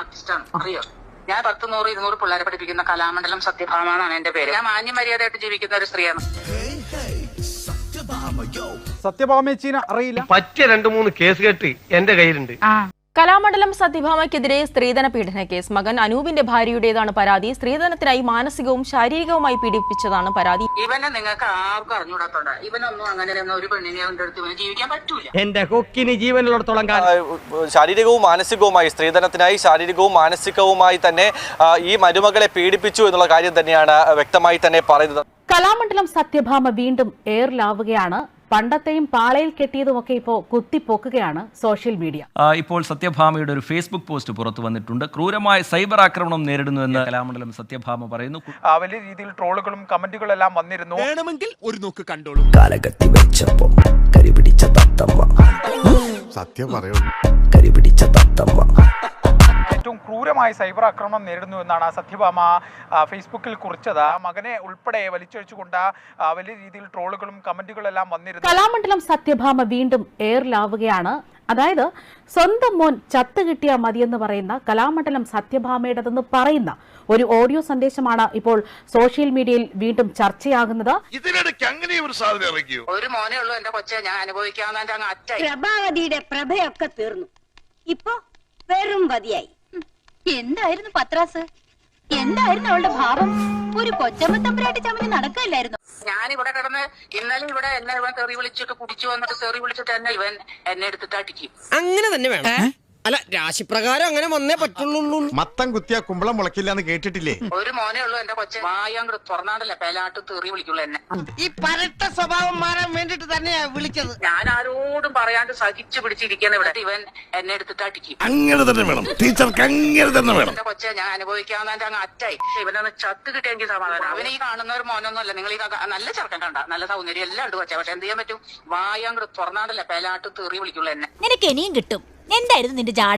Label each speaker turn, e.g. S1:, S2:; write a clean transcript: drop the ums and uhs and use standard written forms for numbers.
S1: ആർട്ടിസ്റ്റാണ്, അറിയോ? ഞാൻ 10, 100, 200 പിള്ളേരെ പഠിപ്പിക്കുന്ന കലാമണ്ഡലം സത്യഭാമ എന്നാണ് എന്റെ പേര്. ഞാൻ മാന്യമര്യാദയായിട്ട് ജീവിക്കുന്ന ഒരു സ്ത്രീയാണ്.
S2: സത്യഭാമേച്ചീനെ അറിയില്ല.
S3: പറ്റിയ 2-3 കേസ് കെട്ട് എന്റെ കയ്യിലുണ്ട്.
S4: കലാമണ്ഡലം സത്യഭാമയ്ക്കെതിരെ സ്ത്രീധന പീഡന കേസ്. മകൻ അനൂപിന്റെ ഭാര്യയുടേതാണ് പരാതി. സ്ത്രീധനത്തിനായി മാനസികവും ശാരീരികവുമായി പീഡിപ്പിച്ചതാണ് പരാതി.
S1: ഇവനെ നിങ്ങൾക്ക് ആർക്കും അറിഞ്ഞുകൂടാത്തോണ്ട. ഇവനൊന്നും അങ്ങനെ ഒരു പെണ്ണിനെ അടുത്ത് ഇവന് ജീവിക്കാൻ പറ്റൂല.
S3: എന്റെ കൊക്കിന് ജീവനുള്ളിടത്തോളം കാലം
S5: ശാരീരികവും മാനസികവുമായി സ്ത്രീധനത്തിനായി ശാരീരികവും മാനസികവുമായി തന്നെ ഈ മരുമകളെ പീഡിപ്പിച്ചു എന്നുള്ള കാര്യം തന്നെയാണ് വ്യക്തമായി തന്നെ പറയുന്നത്.
S6: കലാമണ്ഡലം സത്യഭാമ വീണ്ടും എയറിലാവുകയാണ്. പണ്ടത്തെയും പാളയിൽ കെട്ടിയതുമൊക്കെ ഇപ്പോൾ കുത്തിപ്പൊക്കുകയാണ് സോഷ്യൽ മീഡിയ.
S7: ഇപ്പോൾ സത്യഭാമയുടെ ഒരു ഫേസ്ബുക്ക് പോസ്റ്റ് പുറത്തു വന്നിട്ടുണ്ട്. ക്രൂരമായ സൈബർ ആക്രമണം നേരിടുന്നുവെന്ന് കലാമണ്ഡലം സത്യഭാമ പറയുന്നു.
S2: വലിയ രീതിയിൽ ട്രോളുകളും കമന്റുകളും എല്ലാം വന്നിരുന്നു.
S8: വേണമെങ്കിൽ ഒരു നോക്ക് കണ്ടോളൂ.
S9: കാലകത്തി വെച്ചപ്പോ കരിപിടിച്ച തത്തമ്മ,
S8: സത്യം പറയുള്ളൂ,
S9: കരിപിടിച്ച തത്തമ്മ.
S2: ഏറ്റവും ക്രൂരമായ സൈബർ ആക്രമണം നേരിടുന്നു എന്നാണ് സത്യഭാമ ഫേസ്ബുക്കിൽ കുറിച്ചത്. മകനെ ഉൾപ്പെടെ വലിച്ചഴിച്ചുകൊണ്ട് വലിയ രീതിയിൽ ട്രോളുകളും കമന്റുകളും എല്ലാം വന്നിരുന്നു.
S6: കലാമണ്ഡലം സത്യഭാമ വീണ്ടും എയറിലാവുകയാണ്. അതായത് സ്വന്തം മോൻ ചത്തു കിട്ടിയാൽ മതിയെന്ന് പറയുന്ന കലാമണ്ഡലം സത്യഭാമയുടേതെന്ന് പറയുന്ന ഒരു ഓഡിയോ സന്ദേശമാണ് ഇപ്പോൾ സോഷ്യൽ മീഡിയയിൽ വീണ്ടും ചർച്ചയാകുന്നത്.
S8: ഇതിനിടയ്ക്ക് അങ്ങനെ ഒരു സാധനം ഇറങ്ങിയോ?
S1: ഒരു മോനേ ഉള്ളൂ എന്റെ കൊച്ചെ, ഞാൻ അനുഭവിക്കാവുന്ന അങ്ങ് അറ്റായി.
S10: പ്രഭാവതിയുടെ പ്രഭയൊക്കെ തീർന്നു, ഇപ്പൊ വെറും വതിയായി. എന്തായിരുന്നു പത്രാസ്? എന്തായിരുന്നു അവളുടെ ഭാവം? ഒരു കൊച്ചമ്മ തമ്പുരാട്ടി ചമഞ്ഞ് നടക്കല്ലായിരുന്നു.
S1: ഞാനിവിടെ കിടന്ന് ഇന്നലെ ഇവിടെ എന്നെ ഇവൻ തെറി വിളിച്ചിട്ട് കുടിച്ചു വന്നിട്ട് തെറി വിളിച്ചിട്ട് എന്നെ എടുത്തിട്ട് അടിക്കും.
S11: അങ്ങനെ തന്നെ വേണം. അല്ല, രാശിപ്രകാരം അങ്ങനെ വന്നേ പറ്റുള്ളൂ.
S8: മത്തം കുത്തിയാ കുമ്പളം മുളക്കില്ല എന്ന് കേട്ടിട്ടില്ലേ?
S1: ഒരു മോനേ ഉള്ളൂ എന്റെ കൊച്ചെ, വായങ്ങട് തുറന്നാണ്ടല്ലേ പേലാട്ട് തെറി വിളിക്കുള്ളൂ എന്നെ.
S11: ഈ പരട്ട സ്വഭാവം മാറാൻ വേണ്ടിട്ട് തന്നെയാ വിളിച്ചത്.
S1: ഞാൻ ആരോടും പറയാണ്ട് സഹിച്ചു പിടിച്ചിരിക്കുന്ന ഇവിടെ ഇവൻ എന്നെ എടുത്തിട്ട് അടിക്കും.
S8: അങ്ങനെ തന്നെ വേണം ടീച്ചർക്ക്, അങ്ങനെ തന്നെ വേണം.
S1: എന്റെ കൊച്ചെ, ഞാൻ അനുഭവിക്കാവുന്ന അങ്ങ് അറ്റായി. ഇവനൊന്ന് ചത്ത് കിട്ടിയെങ്കിൽ സമാധാനം. അവന് ഈ കാണുന്ന ഒരു മോനൊന്നും അല്ല. നിങ്ങൾ ഈ നല്ല ചെറുക്കൻ കണ്ട, നല്ല സൗന്ദര്യം എല്ലാം ഉണ്ട് കൊച്ചെ. പക്ഷെ എന്ത് ചെയ്യാൻ പറ്റും? വായങ്ങട് തുറന്നാണ്ടല്ലേ പേലാട്ട് തെറി വിളിക്കുള്ളൂ എന്നെ.
S10: നിനക്ക് ഇനിയും കിട്ടും. എന്തായിരുന്നു നിന്റെ